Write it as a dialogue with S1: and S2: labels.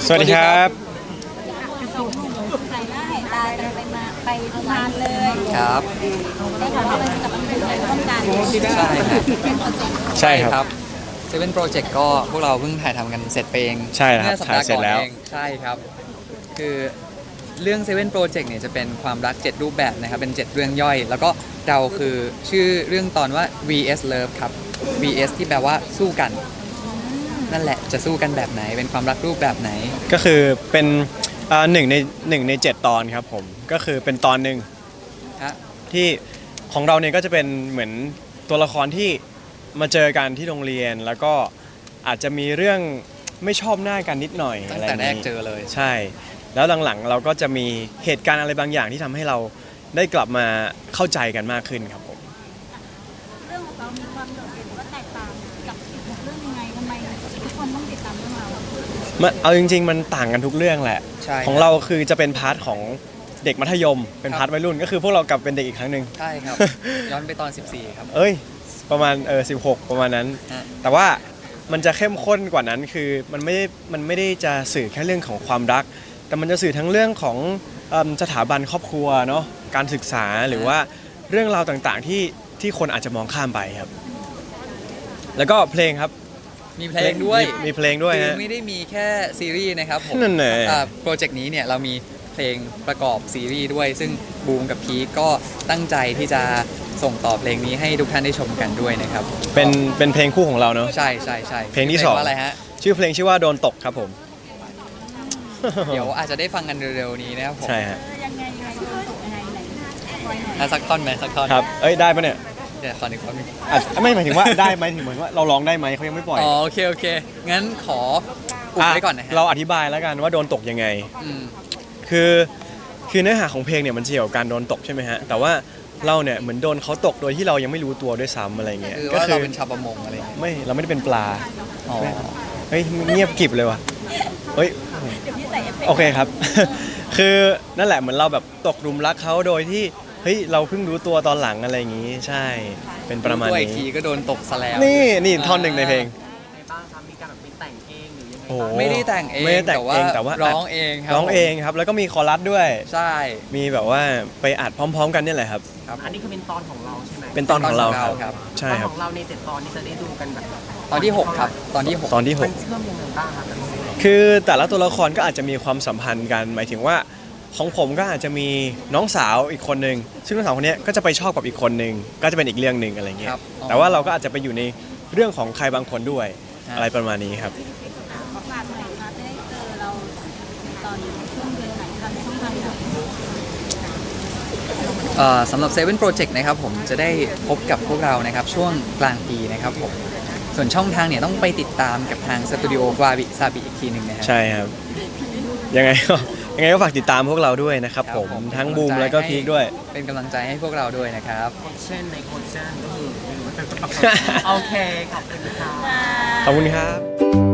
S1: สวัสดีครับ
S2: ใส่หน้าเห็นตากันไปนานเลย
S3: ครับ
S2: ได้ข่าวว่ามันจะมาเป็นร่วมกัน
S3: ใช่ครับ
S1: ใช่ครับ
S3: เซเว่นโปรเจกต์ก็พวกเราเพิ่งถ่ายทำกันเสร็จไปเอง
S1: ใช่ครับ
S3: เมื่อสัปดาห์
S1: ถ่ายเสร็
S3: ก่
S1: จ
S3: อน
S1: แล้ว
S3: เองใช่ครับ คือเรื่องเซเว่นโปรเจกต์เนี่ยจะเป็นความรัก 7 รูปแบบนะครับเป็น 7 เรื่องย่อย แล้วก็เราคือชื่อเรื่องตอนว่า VS Love ครับ VS ที่แปลว่าสู้กัน นั่นแหละจะสู้กันแบบไหนเป็นความรักรูปแบบไหน
S1: ก็คือเป็นหนึ่งใน 7 ตอนครับผมก็คือเป็นตอนหนึ่ง
S3: ฮะ
S1: ที่ของเราเนี่ยก็จะเป็นเหมือนตัวละครที่มาเจอกันที่โรงเรียน แล้วก็อาจจะมีเรื่องไม่ชอบหน้ากันนิดหน่อย
S3: ตั้ง
S1: อะไร
S3: แต่แรก
S1: นี้
S3: เจอเลย
S1: ใช่ แล้วหลังๆเราก็จะมีเหตุการณ์อะไรบางอย่างที่ทำให้เราได้กลับมาเข้าใจกันมากขึ้นครับผม
S2: เรื่องของเรามีความโดดเด่นว่าแตกต่างกับ16เรื่องยังไงทำไมทุกคนต้องติดตามเรื่องเรา
S1: เอาจริงๆมันต่างกันทุกเรื่องแหละ
S3: ใช่
S1: ของเราคือจะเป็นพาร์ทของเด็กมัธยม เป็นพาร์ทวัยรุ่นก็คือพวกเรากลับเป็นเด็กอีกครั้งหนึ่ง
S3: ใช่ครับ ย้อนไปตอน 14 ครับ
S1: เอ้ยประมาณ16ประมาณนั้น
S3: ฮะ
S1: แต่ว่ามันจะเข้มข้นกว่านั้นคือมันไม่ได้จะสื่อแค่เรื่องของความรัก แต่มันจะสื่อทั้งเรื่องของสถาบันครอบครัวเนาะการศึกษาหรือว่าเรื่องราวต่างๆที่คนอาจจะมองข้ามไปครับ แล้วก็เพลงครับ
S3: มีเพลงด้วย
S1: มีเพลงด้วย
S3: คือ
S1: ฮะ
S3: ไม่ได้มีแค่ซีรีส์นะครับผม
S1: นั่นแหละ
S3: โปรเจกต์นี้เนี่ยเรามีเพลงประกอบซีรีส์ด้วย ซึ่งบูมกับพีคก็ตั้งใจที่จะส่งต่อเพลงนี้ให้ทุกท่านได้ชมกันด้วยนะครับ
S1: เป็นเพลงคู่ของเราเนาะ
S3: ใช่ใช่ใช่
S1: เพลงที่สอง
S3: ว่าอะไรฮะ
S1: ชื่อเพลงชื่อว่าโดนตกครับผม
S3: เดี๋ยวอาจจะได้ฟังกันเร็วๆนี้นะครับผม
S1: ใช่ฮะ
S2: ยังไงโดนตกยังไงไหนปล่อยหน่อย
S3: อ่ะสักท่อนไหมสักท่อน
S1: ครับเอ้ยได้ปะเนี่ย
S3: เดี๋ยวขอหนึ่งท่อนหนึ่ง
S1: ไม่หมายถึงว่าได้ไหมถึงเหมือนว่าเราร้องได้ไหมเขายังไม่ปล่อย
S3: อ๋อโอเคโอเค งั้นขออุบไว้ก่อนนะฮะ
S1: เราอธิบายแล้วกันว่าโดนตกยังไง
S3: อืม
S1: คือเนื้อหาของเพลงเนี่ยมันเกี่ยวกับการโดนตกใช่ไหมฮะแต่ว่าเราเนี่ยเหมือนโดนเขาตกโดยที่เรายังไม่รู้ตัวด้วยซ้ำอะไรเงี้ย
S3: คือว่าเราเป็นชาวประมงอะไรอย่างเงี้ย
S1: ไม่เราไม่ได้เป็นปลา
S3: อ๋อ
S1: เฮ้ยเงียบกริบเลยว่ะเฮ้ย
S2: เดี๋ยวพี่ใส่เอฟเฟกต์
S1: โอเคครับ คือนั่นแหละเหมือนเราแบบตกหลุมรักเขาโดยที่เฮ้ยเราเพิ่งรู้ตัวตอนหลังอะไรอย่างงี้ใช่เป็นประมาณ
S3: ตัวอีกที
S1: นี้
S3: ก็โดนตกซะแล้ว
S1: นี่ท่อนหนึ่งในเพลง
S4: ในบ้างครับมีการแบบไปแต่งเองหรือยังไง
S1: โอ้
S4: บ้าง
S3: ไม่ได้แต่งเอง
S1: ไม่ได้แต่งเองแต่ว่า
S3: ร้องเองครับ
S1: ร้องเองครับ แล้วก็มีคอรัสด้วย
S3: ใช่
S1: มีแบบว่าไปอัดพร้อม ๆ กันเนี่ยแหละครับ
S3: ครับ
S4: อันนี้คือเป็นตอนของเราใช่ไหม
S1: เป็นตอนของเราครับ
S3: ครับ
S1: ใช่
S4: ตอน
S1: ครั
S4: ข
S1: บ
S4: องเราใน7 ตอนนี้จะได้ดูกันแบบ
S3: ตอนที่ 6 ครับ ตอนที่ 6
S1: ตอนที่
S4: มันเชื่อมยังไงบ้างครับ
S1: คือแต่ละตัวละครก็อาจจะมีความสัมพันธ์กัน หมายถึงว่าของผมก็อาจจะมีน้องสาวอีกคนนึงซึ่งน้องสาวคนเนี้ยก็จะไปชอบกับอีกคนนึงก็จะเป็นอีกเรื่องหนึ่งอะไรเงี้ย
S3: ครับอ๋อ
S1: แต่ว่าเราก็อาจจะไปอยู่ในเรื่องของใครบางคนด้วย
S3: ฮะ
S1: อะไรประมาณนี้ครับ
S2: ขอฝากหน่อยค่ะจะได้เจอเราตอนช่วงเดือนไหนทางช่องทางไหน
S3: สำหรับ Seven Project นะครับผมจะได้พบกับพวกเรานะครับช่วงกลางปีนะครับผมส่วนช่องทางเนี่ยต้องไปติดตามกับทางสตูดิโอวาบิซาบิอีกทีหนึ่งนะฮะ
S1: ใช่ครับยังไงก็ฝากติดตามพวกเราด้วยนะครับ
S3: ครับ
S1: ผม
S3: ผม
S1: ทั้งบูมแล้วก็พีคด้วย
S3: เป็นกำลังใจให้พวกเราด้วยนะครับ
S4: โคชเช่นในโคชเช่นก็คือไม่รู้โอเคขอบคุณค่ะ
S1: ขอบคุณครับ